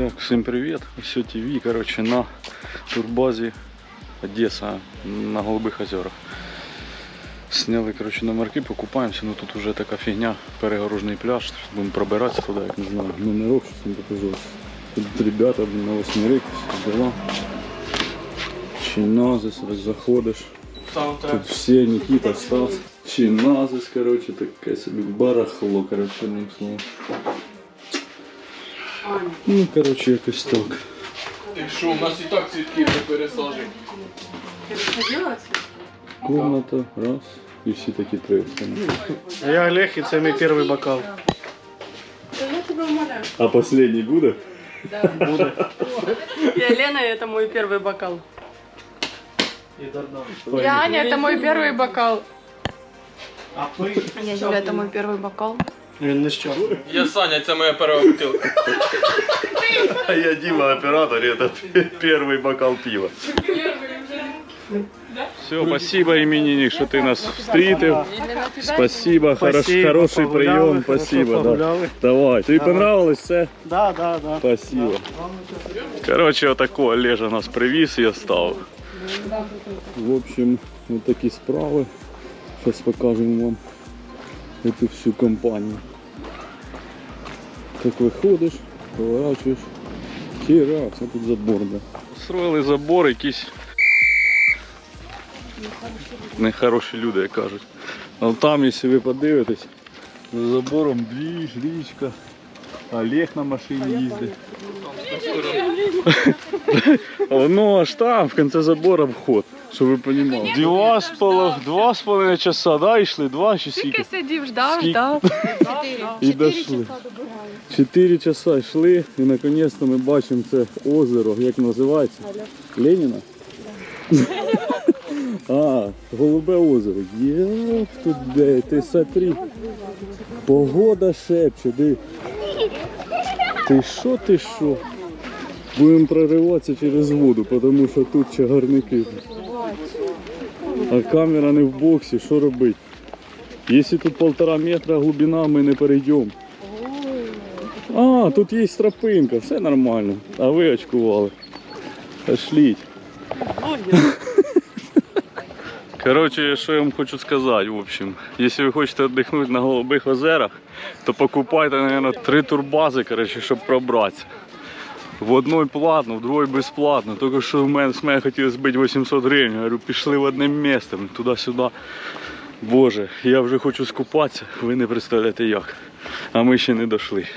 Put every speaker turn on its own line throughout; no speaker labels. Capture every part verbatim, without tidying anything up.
Так, всем привет, все ТВ, короче, на турбазе Одесса, на Голубых озерах. Сняли, короче, номерки, покупаемся, но тут уже такая фигня, перегорожный пляж, будем пробираться туда, я не знаю, номерок, сейчас вам покажу. Тут ребята, блин, на восьмерик, все дела. Чиназис, заходишь, тут все, Никита, Стас. Чиназис, короче, такая себе барахло, короче, одним словом. Ну, короче, якось так.
Ти що, у нас і так цвітки вже пересаджені.
Ти виходила?
Комната, раз, и все такие три.
Я Олег, и это мой первый бокал.
Да я тебя умоляю.
А последний будет?
Да. Буду. Я Лена, и это мой первый бокал. Я Аня, это мой первый бокал.
А вы?
Я Юля, это мой первый бокал.
Він не що.
Я Саня, це моя перша бутилка.
А я Дима, оператор, и это первый бокал пива. Все, спасибо, именинник, что ты нас встретил. Спасибо, хорош,
Спасибо,
хороший
погуляли,
прием,
хорошо
спасибо. Да.
погуляли.
Давай, тебе
Давай.
понравилось все?
Да, да, да.
Спасибо. Короче, вот такого Олежа нас привез и оставил. В общем, вот такие справы. Сейчас покажем вам эту всю компанию. Так выходишь, поворачиваешь. Херак, а тут забор, да. Строили забор, якісь нехороші люди, як кажуть. А там, якщо ви подивитесь, за забором двіж, річка. Олег на машині їздить. Воно аж там, в кінці забора вход, щоб ви розуміли. Два з половиною, два з половиною часа, да, йшли? Два чи скільки?
Скільки сидів, ждав,
Скільки?
ждав.
І дійшли. Чотири часа йшли і наконець-то ми бачимо це озеро, як називається? Леніна? А, Голубе озеро. Єх, тут де, ти смотри. Погода шепче, диви. Ти що, ти що? Будемо прориватися через воду, тому що тут чагарники. А камера не в боксі, що робити? Якщо тут півтора метра глибина, ми не перейдемо. А, тут є тропинка, все нормально. А ви очкували. Пошліть. Короче, що я вам хочу сказати, в общем. Якщо ви хочете віддихнути на Голубих озерах, то покупайте, мабуть, три турбази, короче, щоб пробратися. В одной платно, в другой безплатно. Тільки що в мене, з мене хотіли збити вісімсот гривень. Я говорю, пішли в одне місце, туди-сюди. Боже, я вже хочу скупатися, ви не представляєте як. А ми ще не дійшли.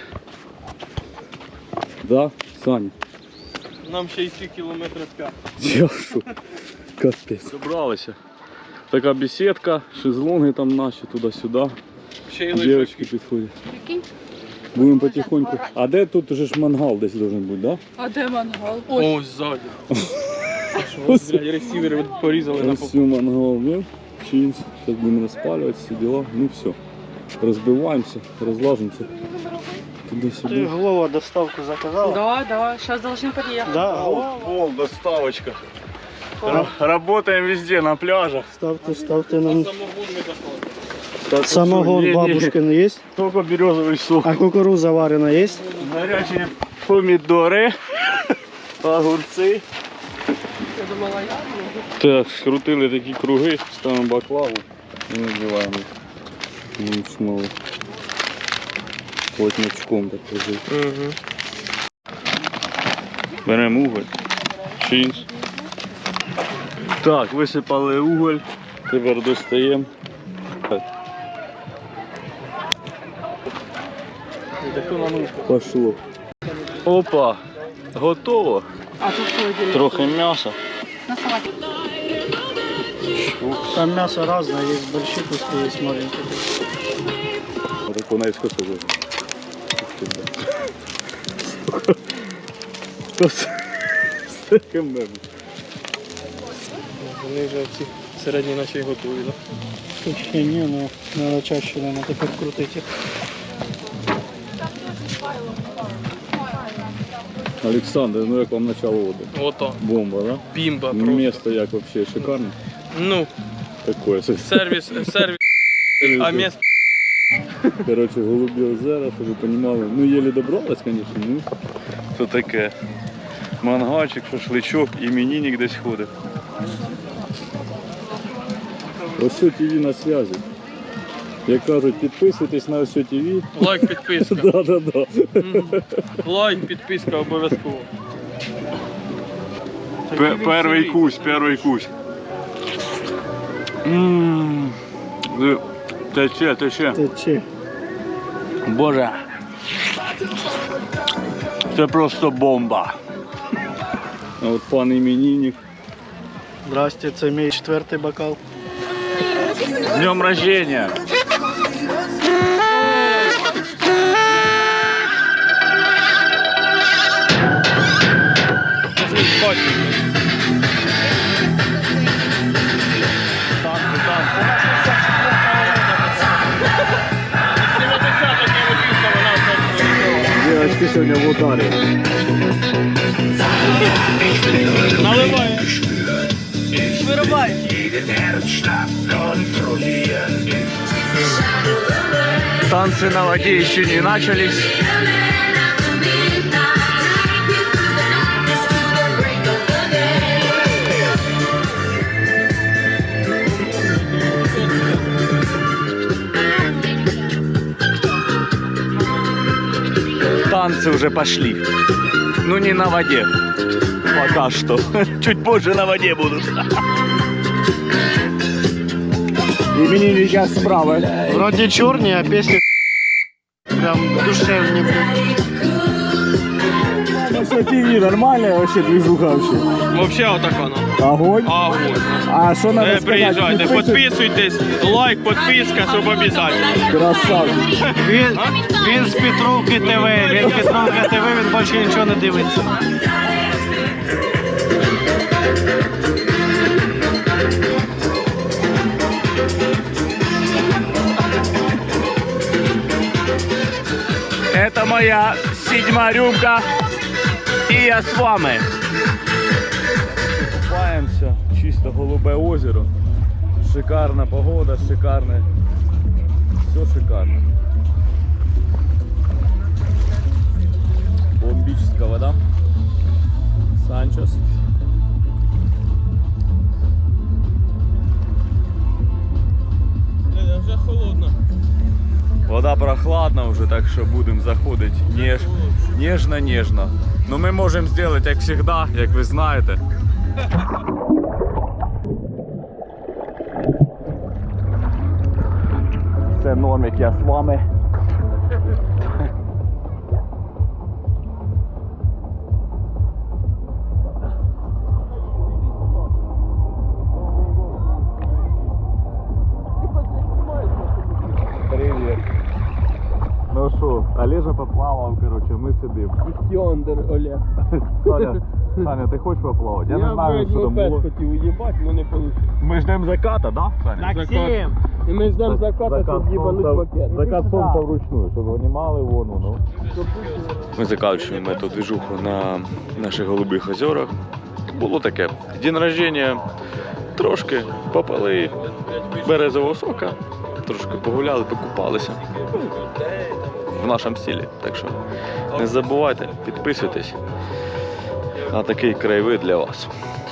Да, Саня?
Нам ще йти кілометрів п'ять.
Я що? Капець. Добралися. Така беседка, шезлонги там наші, туди-сюди.
Ще й
Дівчатки підходять. Будемо потихоньку. А де тут уже ж мангал десь должен бути, да?
А де мангал?
Ось ззаді. Ось, блядь, ресівери порізали на
Ось мангал, ну, чинс. Зараз будемо розпалювати, всі діла. Ну все. Розбиваємося, розлажимося.
Ты
Туди-сюди.
Глова доставку заказала?
Да, да, сейчас должны подъехать.
Да,
Пол, доставочка. Работаем везде, на пляжах.
ставьте, ставьте нам.
самогон не доставили.
Самогон бабушкин есть?
Только березовый сок.
А кукуруза варена есть?
Горячие помидоры, огурцы.
Я думала, я.
Так, скрутили такі круги, ставимо баклаву і надіваємо. Ну, смолу. Плотнячком так лежить.
Угу.
Беремо уголь. Чинс. Так, висипали уголь. Тепер достаємо. Пошло. Опа, готово.
А тут холодильник.
Трохи м'яса.
На салате.
Там мясо разное, есть большие куски, есть маленькие.
Так вона і скосила.
Вони вже ці середні наче й готові, так?
Вообще не, ну надо чаще, наверное, так открутить их.
Олександр, ну як вам начало води?
Ото.
Бомба, да?
Бімба просто.
Место як вообще шикарне.
Ну,
Такое.
сервіс, сервіс. А місто
Коротше, голубі озера, щоб ви розуміли. Ну, єлі добралась, звісно, ну. То таке. Мангальчик, шашличок, іменинник десь ходить. Осьо ТВ на зв'язі. Як кажуть, підписуйтесь на Осьо ТВ.
Лайк, підписка.
Да, да, да.
Лайк, підписка обов'язково.
Перший кусь, перший кусь. Ммм. Тече, тече.
Тече.
Боже. Це просто бомба. А от пан іменинник.
Здрасте, це мій четвертий бокал.
З днем рождения! Девочки сегодня в ударе.
Наливай.
Вырубай.
Танцы на воде еще не начались. Танцы уже пошли. Ну не на воде. Пока что. Чуть позже на воде будут. Именинника справа.
Вроді чорні, а пісні прям душевні.
Ну что, ТВ нормальная вообще движуха вообще?
Вообще отак воно.
Огонь.
Огонь.
А что надо
Не
сказать?
приїжджайте, підписуйтесь, лайк, підписка, щоб обов'язково.
Красавчик.
Він, він з Петровки ТВ, він Петровка ТВ, він більше нічого не дивиться.
Это моя седьмая рюмка. И я с вами. Купаемся. Чисто голубе озеро. Шикарна погода, шикарне. Все шикарно. Бомбическая вода. Санчос.
Вже холодно.
Вода прохладна вже, так що будемо заходити неж, ніжно-ніжно. Ну ми можемо зробити, як завжди, як ви знаєте. Це Нормік, я з вами. Привіт. Ну що, Олежа поплавав, коротше, ми сидимо.
Йондер, Олег.
Саня, Саня, ти хочеш поплавати? Я, не знаю, що там було.
хотів уїбати, але не вийшло.
Ми ждемо заката, да, Саня?
Максим! І ми ждемо заката, щоб їбануть пакет.
Закат сонця вручную, щоб винімали вону. Ну. Ми закінчуємо цю движуху на наших голубих озерах. Було таке, день рождения, трошки попили березового сока, трошки погуляли, покупалися. В нашому стилі. Так що не забувайте, підписуйтесь на такий краєвид для вас.